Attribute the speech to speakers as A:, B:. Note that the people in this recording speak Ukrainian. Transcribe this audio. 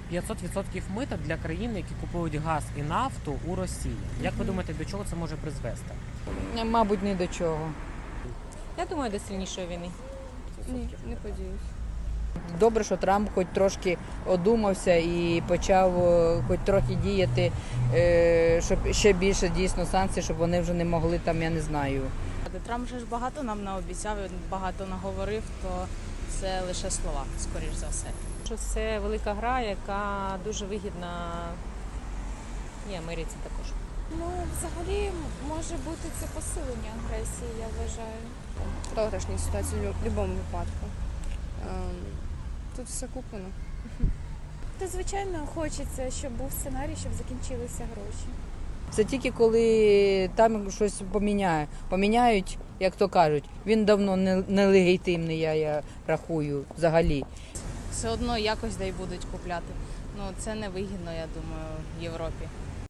A: 500% мита для країн, які купують газ і нафту у Росії. Як ви думаєте, до чого це може призвести?
B: Мабуть, ні до чого.
C: Я думаю, до сильнішої війни.
D: Ні, не подіюсь.
B: Добре, що Трамп хоч трошки одумався і почав хоч трохи діяти, щоб ще більше дійсно санкцій, щоб вони вже не могли там, я не знаю.
D: Трамп же ж багато нам наобіцяв, він багато наговорив, то це лише слова, скоріш за все.
C: Що це велика гра, яка дуже вигідна і Америці також.
E: Ну, взагалі, може бути це посилення агресії, я вважаю.
F: Програшні ситуації в будь-якому випадку. Тут все куплено.
E: То, звичайно, хочеться, щоб був сценарій, щоб закінчилися гроші.
B: Це тільки коли там щось поміняють, як то кажуть. Він давно нелегітимний, я рахую, взагалі.
D: Все одно якось да й будуть купляти. Ну, це не вигідно, я думаю, Європі.